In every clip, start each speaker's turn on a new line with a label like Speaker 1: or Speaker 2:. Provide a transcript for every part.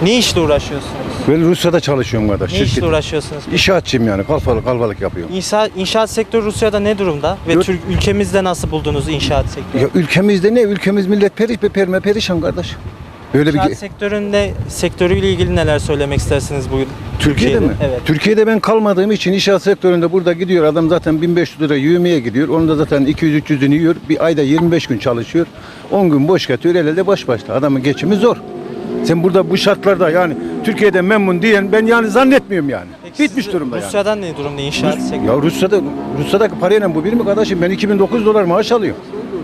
Speaker 1: Ne işle uğraşıyorsunuz?
Speaker 2: Ben Rusya'da çalışıyorum kardeş.
Speaker 1: Ne işle uğraşıyorsunuz?
Speaker 2: İnşaatçıyım yani. Kalfalık yapıyorum.
Speaker 1: İnşaat sektörü Rusya'da ne durumda? Ve ülkemizde nasıl buldunuz inşaat sektörü?
Speaker 2: Ya ülkemizde ne? Ülkemiz millet perişan kardeş. Böyle
Speaker 1: İnşaat sektörüyle ilgili neler söylemek istersiniz bu
Speaker 2: Türkiye'de mi?
Speaker 1: Evet.
Speaker 2: Türkiye'de ben kalmadığım için inşaat sektöründe burada gidiyor. Adam zaten 1500 lira yövmeye gidiyor. Onun da zaten 200-300'ünü yiyor. Bir ayda 25 gün çalışıyor. 10 gün boş yatıyor. El elde baş başta. Adamın geçimi zor. Sen burada bu şartlarda yani Türkiye'de memnun diyen ben yani zannetmiyorum yani.
Speaker 1: Peki
Speaker 2: Bitmiş durumda yani.
Speaker 1: Rusya'dan ne durumda inşaat sektörü?
Speaker 2: Ya Rusya'daki parayla bu bir mi kardeşim? Ben 2009 dolar maaş alıyorum.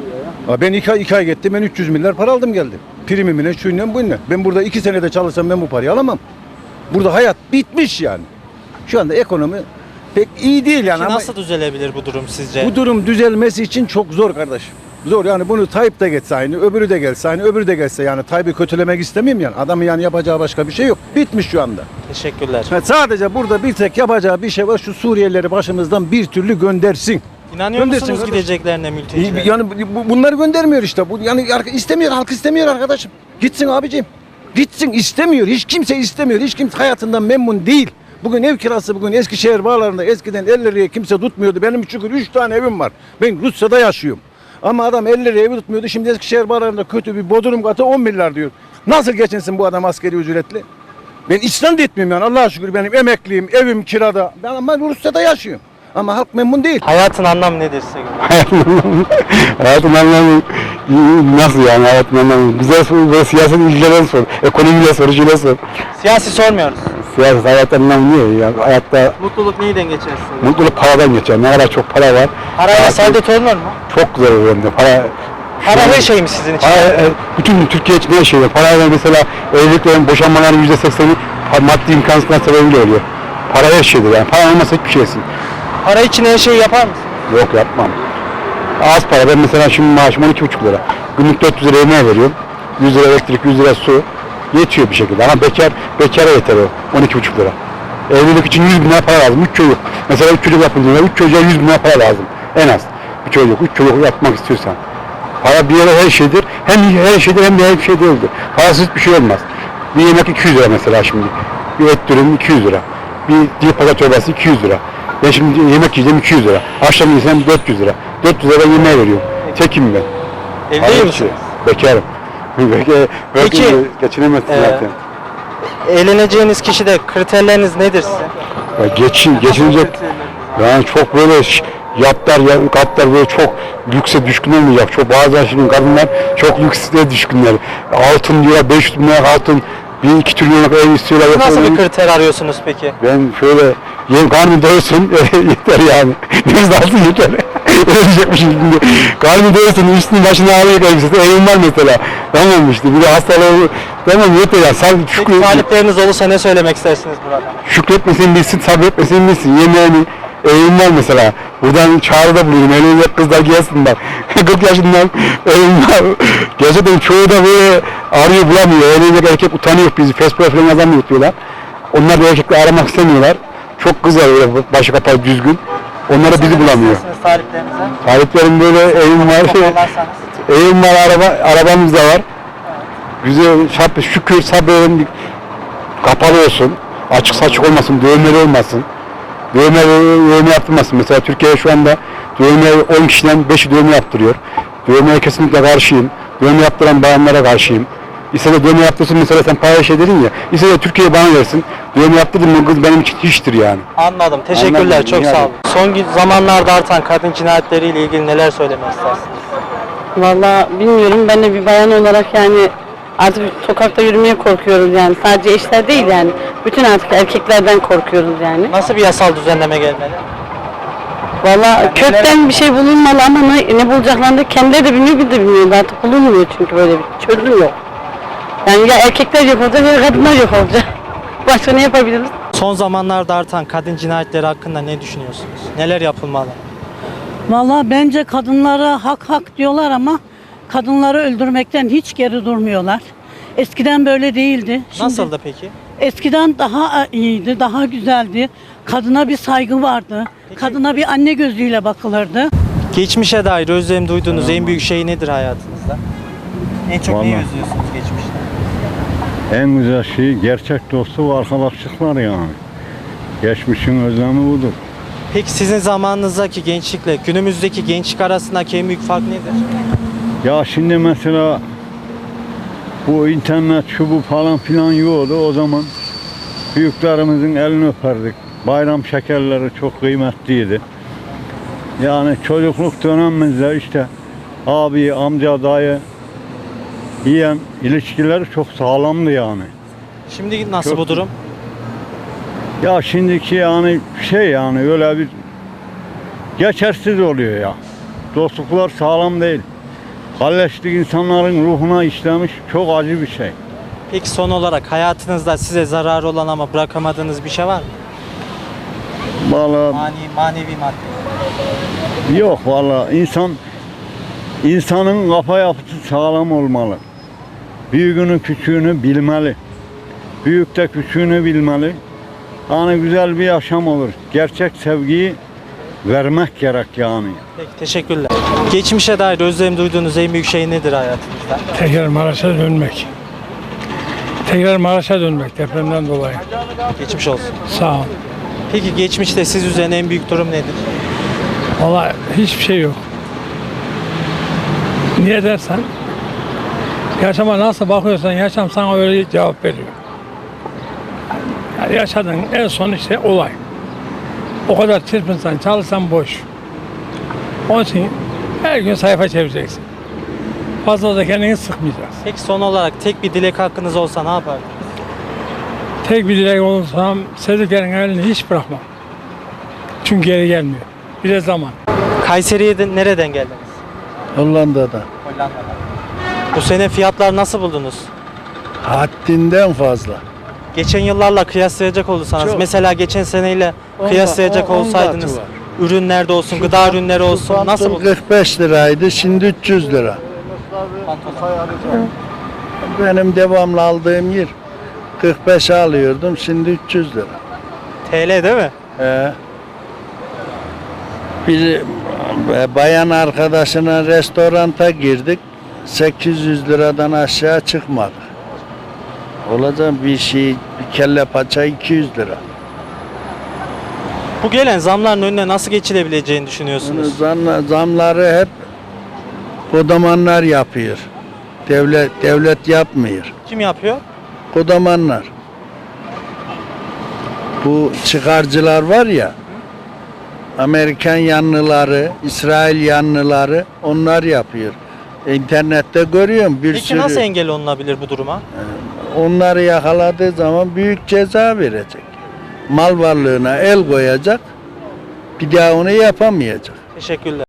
Speaker 2: Ya ben iki ay gittim, ben 300 milyar para aldım geldim. Primimle, şuyla buyla. Ben burada 2 senede çalışsam ben bu parayı alamam. Burada hayat bitmiş yani. Şu anda ekonomi pek iyi değil yani.
Speaker 1: Peki
Speaker 2: ama
Speaker 1: nasıl düzelebilir bu durum sizce?
Speaker 2: bu durum düzelmesi için çok zor kardeşim. Zor yani, bunu Tayyip de geçse aynı, öbürü de gelse aynı, öbürü de gelse yani. Tayyip'i kötülemek istemiyorum yani. Adamın yani yapacağı başka bir şey yok. Bitmiş şu anda.
Speaker 1: Teşekkürler.
Speaker 2: Sadece burada bir tek yapacağı bir şey var. Şu Suriyelileri başımızdan bir türlü göndersin.
Speaker 1: İnanıyor musunuz
Speaker 2: kardeşim.
Speaker 1: gideceklerine mülteciler?
Speaker 2: Yani bunları göndermiyor işte. Bu yani istemiyor, halk istemiyor arkadaşım. Gitsin abicim. Gitsin, istemiyor. Hiç kimse istemiyor. Hiç kimse hayatından memnun değil. Bugün ev kirası, bugün Eskişehir bağlarında eskiden 50 liraya kimse tutmuyordu. Benim çünkü 3 tane evim var. Ben Rusya'da yaşıyorum. Ama adam 50 liraya evi tutmuyordu. Şimdi Eskişehir bağlarında kötü bir bodrum katı 10 milyar diyor. Nasıl geçinsin bu adam askeri ücretli? Ben İslam da etmiyorum yani, Allah'a şükür benim emekliyim, evim kirada. Ben ama Rusya'da yaşıyorum. Ama halk memnun değil.
Speaker 1: Hayatın anlamı nedir size göre?
Speaker 3: Hayatın anlamı nasıl yani, hayatın anlamı? Bize sor, ve siyaset ilgilere sor, ekonomiyle sor, şöyle sor.
Speaker 1: Siyasi sormuyoruz.
Speaker 3: Siyaset hayatın anlamı niye ya? Hayatta
Speaker 1: Mutluluk neyden geçersiniz?
Speaker 3: mutluluk paradan geçer. Ne kadar çok para var.
Speaker 1: Parayla saadet olunur mu?
Speaker 3: Çok güzel olur hem de.
Speaker 1: Para her şey mi sizin için?
Speaker 3: Bütün Türkiye için her şey var. Parayla mesela evliliklerin, boşanmaların %80'i maddi imkansızlıklar sebebiyle oluyor. Para her şeydir yani. Para olmasa hiçbir şeysin.
Speaker 1: Para için her şeyi yapar mısın?
Speaker 3: Yok, yapmam. Az para. Ben mesela şimdi maaşım 12,5 lira. Günlük 400 lira yemeğe veriyorum. 100 lira elektrik, 100 lira su. Yetiyor bir şekilde. Ama bekara yeter o 12,5 lira. Evlilik için 100 bin lira para lazım. 3 çocuk. Mesela 3 çocuk yapıldığında 3 çocuğa 100 bin lira para lazım. En az. Bir çocuk, 3 çocuk yapmak istiyorsan. Para bir yere her şeydir. Hem her şeydir hem de her şey değildir. Parasız bir şey olmaz. Bir yemek 200 lira mesela şimdi. Bir et dürüm 200 lira. Bir dil pazar çorbası 200 lira. Ben şimdi yemek yiyeceğim 200 lira. Akşam yiyeceğim 400 lira. 400 lira ben yemeğe veriyorum. Tekim ben.
Speaker 1: Evli misiniz?
Speaker 3: Bekarım.
Speaker 1: Peki,
Speaker 3: geçinemezsin zaten.
Speaker 1: Evleneceğiniz kişide kriterleriniz nedir sizin?
Speaker 3: Geçinecek. Yani çok böyle katlar böyle çok lükse düşkün olmayacak. Çok bazı şimdi kadınlar çok lükse düşkünler. Altın diyor, 500 bin lira altın, 1-2 trilyonluk ev istiyorlar.
Speaker 1: Nasıl bir kriter arıyorsunuz peki?
Speaker 3: Ben şöyle karnım doysun yeter yani. Nefes alsın yeter. Ölecekmişim şimdi. Karnım doysun, üstünün başına ağrıyor elbisesi. Evim var mesela. Tamam işte. Bir de hastalığı tamam yeter ya. Sen
Speaker 1: Peki talipleriniz olursa ne söylemek istersiniz burada?
Speaker 3: şükretmesini bilsin, sabretmesini bilsin. Yemeğini, evim var mesela. Buradan çağrıda buluyorum. Evlenecek kızlar gelsinler. 40 yaşından evim var. Gerçekten çoğu da böyle arıyor bulamıyor. Evlenecek erkek utanıyor bizi. Facebook falan yazamıyor diyorlar. Onlar da erkekle aramak istemiyorlar. Çok kız var böyle başı kapalı düzgün. Onlar da bizi bulamıyor.
Speaker 1: Taliplerinize?
Speaker 3: Taliplerim böyle evim var. Evim var, arabamız da var. Güzel, şükür sabredin, kapalı olsun, açık saçık olmasın, dövmeli olmasın. Dövme yaptırmasın. Mesela Türkiye'de şu anda dövme 10 kişiden 5'i dövme yaptırıyor. Dövmeye kesinlikle karşıyım. Dövme yaptıran bayanlara karşıyım. İse de dövme yaptırsın mesela, sen paylaş dedin ya. İse de Türkiye bana versin. Dövme yaptırdım mı kız benim için hiçtir yani.
Speaker 1: Anladım. Teşekkürler.
Speaker 3: Anladım,
Speaker 1: Çok sağ olun. Son zamanlarda artan kadın cinayetleriyle ilgili neler söylemek istersiniz?
Speaker 4: Vallahi bilmiyorum, ben de bir bayan olarak yani artık sokakta yürümeye korkuyoruz yani. Sadece eşler değil yani. Bütün artık erkeklerden korkuyoruz yani.
Speaker 1: Nasıl bir yasal düzenleme gelmeli?
Speaker 4: Vallahi kökten bir şey bulunmalı ama ne bulacaklarını da kendileri de bilmiyor, biz de bilmiyoruz. Artık bulunmuyor çünkü böyle bir çözüm yok. Yani ya erkekler yok olacak ya kadınlar yok olacak. Başka ne yapabiliriz?
Speaker 1: Son zamanlarda artan kadın cinayetleri hakkında ne düşünüyorsunuz? Neler yapılmalı?
Speaker 5: Vallahi bence kadınlara hak diyorlar ama kadınları öldürmekten hiç geri durmuyorlar. Eskiden böyle değildi. Şimdi
Speaker 1: Nasıldı peki?
Speaker 5: eskiden daha iyiydi, daha güzeldi. Kadına bir saygı vardı. Kadına bir anne gözüyle bakılırdı.
Speaker 1: Geçmişe dair özlem duyduğunuz en büyük şey nedir hayatınızda? En çok neyi özlüyorsunuz geçmişte?
Speaker 6: En güzel şey gerçek dostu ve arkadaşlıklar yani. Geçmişin özlemi budur.
Speaker 1: Peki sizin zamanınızdaki gençlikle günümüzdeki gençlik arasındaki en büyük fark nedir?
Speaker 6: Ya şimdi mesela bu internet şu bu falan filan yoktu o zaman. Büyüklerimizin elini öperdik. Bayram şekerleri çok kıymetliydi. Yani çocukluk dönemimizde işte abi, amca, dayı, yeğen ilişkileri çok sağlamdı yani.
Speaker 1: Şimdi nasıl
Speaker 6: Çok
Speaker 1: bu durum?
Speaker 6: Ya şimdiki yani yani öyle bir geçersiz oluyor ya. Dostluklar sağlam değil. Kalleşlik insanların ruhuna işlemiş çok acı bir şey.
Speaker 1: Peki son olarak hayatınızda size zararı olan ama bırakamadığınız bir şey var mı?
Speaker 6: Vallahi
Speaker 1: Manevi madde.
Speaker 6: yok vallahi insanın kafa yapısı sağlam olmalı. Büyüğünü küçüğünü bilmeli. Büyük de küçüğünü bilmeli. Hani güzel bir yaşam olur. Gerçek sevgiyi vermek gerek yani.
Speaker 1: Peki teşekkürler. Geçmişe dair özlem duyduğunuz en büyük şey nedir hayatınızda?
Speaker 7: Tekrar Maraş'a dönmek. Tekrar Maraş'a dönmek depremden dolayı.
Speaker 1: Geçmiş olsun.
Speaker 7: Sağ ol.
Speaker 1: Peki geçmişte siz üzen en büyük durum nedir?
Speaker 7: Vallahi hiçbir şey yok. Niye dersen, yaşama nasıl bakıyorsan yaşam sana öyle cevap veriyor. Yani yaşadığın en son işte olay. O kadar çırpınsan, çalışsan boş. Onun için her gün sayfa çevireceksin. Fazla da kendini sıkmayacaksın.
Speaker 1: Peki son olarak tek bir dilek hakkınız olsa ne yapardınız?
Speaker 7: Tek bir dilek olursam sevdiklerin elini hiç bırakmam. Çünkü geri gelmiyor. Bir de zaman.
Speaker 1: Kayseri'ye de nereden geldiniz?
Speaker 2: Hollanda'da.
Speaker 1: Hollanda'dan. Bu sene fiyatlar nasıl buldunuz?
Speaker 2: Haddinden fazla.
Speaker 1: Geçen yıllarla kıyaslayacak olursanız,
Speaker 2: Çok.
Speaker 1: mesela geçen seneyle kıyaslayacak
Speaker 2: on
Speaker 1: olsaydınız,
Speaker 2: katı var.
Speaker 1: ürünlerde olsun, gıda ürünleri olsun, nasıl buldunuz?
Speaker 2: 45 liraydı, şimdi 300 lira. Benim devamlı aldığım yer 45 alıyordum, şimdi 300 lira.
Speaker 1: TL değil mi?
Speaker 2: Bir bayan arkadaşına restoranta girdik, 800 liradan aşağı çıkmadık. Olacak bir şey, bir kelle paça 200 lira.
Speaker 1: Bu gelen zamların önüne nasıl geçilebileceğini düşünüyorsunuz?
Speaker 2: Zamları hep kodamanlar yapıyor. Devlet yapmıyor.
Speaker 1: Kim yapıyor?
Speaker 2: Kodamanlar. Bu çıkarcılar var ya, Amerikan yanlıları, İsrail yanlıları onlar yapıyor. İnternette görüyorum bir
Speaker 1: Peki
Speaker 2: sürü.
Speaker 1: nasıl engel olunabilir bu duruma?
Speaker 2: Onları yakaladığı zaman büyük ceza verecek. Mal varlığına el koyacak. Bir daha onu yapamayacak.
Speaker 1: Teşekkürler.